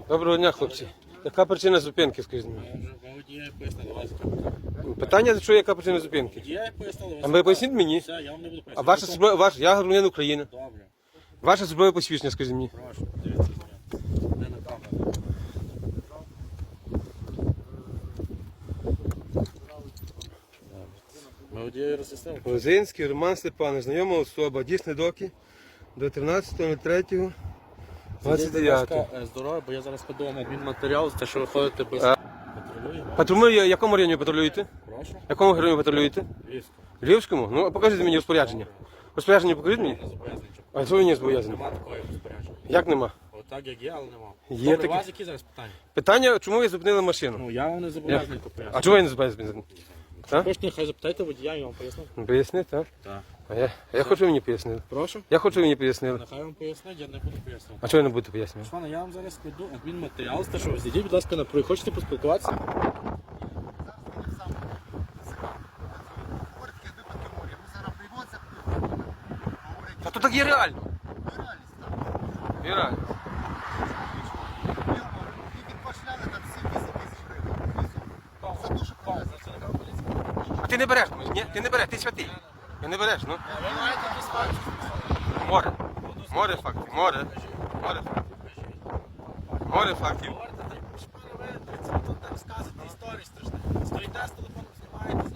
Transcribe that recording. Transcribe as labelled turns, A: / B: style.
A: Доброго дня, хлопці. Яка причина зупинки, скажіть мені?
B: Водія пояснили, вас
A: Питання, що яка причина зупинки?
B: водія пояснили,
A: А ви поясніть мені?
B: Все, я вам не буду
A: А
B: пояснити.
A: ваша зброя, я громадянин України.
B: Добре,
A: Ваше зброя посвідчення, скажіть мені.
B: прошу, дивіться. Не на камеру. Ми водія роз'яснили.
A: Лозинський Роман Степанович, знайома особа, дійсний доки до 13.03.29.
B: Здорово, бо я зараз подумав адмінматеріал, те, що ви ходите без патрулюємо.
A: Патрулює, в якому районі патрулюєте?
B: Прошу,
A: В якому районі патрулюєте?
B: Львівську.
A: Львівському? Ну, покажіть мені розпорядження. Розпорядження покажіть мені?
B: Не зобов'язаний.
A: А що ви не зобов'язані?
B: Нема такої розпорядження.
A: Як нема?
B: Отак як є, але нема.
A: Є
B: Добре,
A: таке.
B: у вас які зараз питання?
A: Питання, чому ви зупинили машину?
B: Ну, я вам не зобов'язаний пояснити.
A: А чого я не зупинив? Так?
B: Хочете, нехай запитайте водія, я вам поясню.
A: Поясни, так?
B: Так.
A: А я хочу мені пояснили.
B: Прошу?
A: Я хочу мені пояснили.
B: Нехай вам пояснить, я не буду пояснювати.
A: А чого я не буду пояснювати?
B: Пане, я вам зараз складу адмінматеріал, з те, що ви зійдіть, будь ласка, на проїзд. Хочете поспілкуватися?
A: Та то так є реально. Є реально. А ти не береш, ні? Ти не береш, ти святий. Ти не береш, ну. Море. Море фактів, море. Море фактів. Море фактів.
B: Розказуєте історії страшні. Стоїте з телефоном, знімаєте.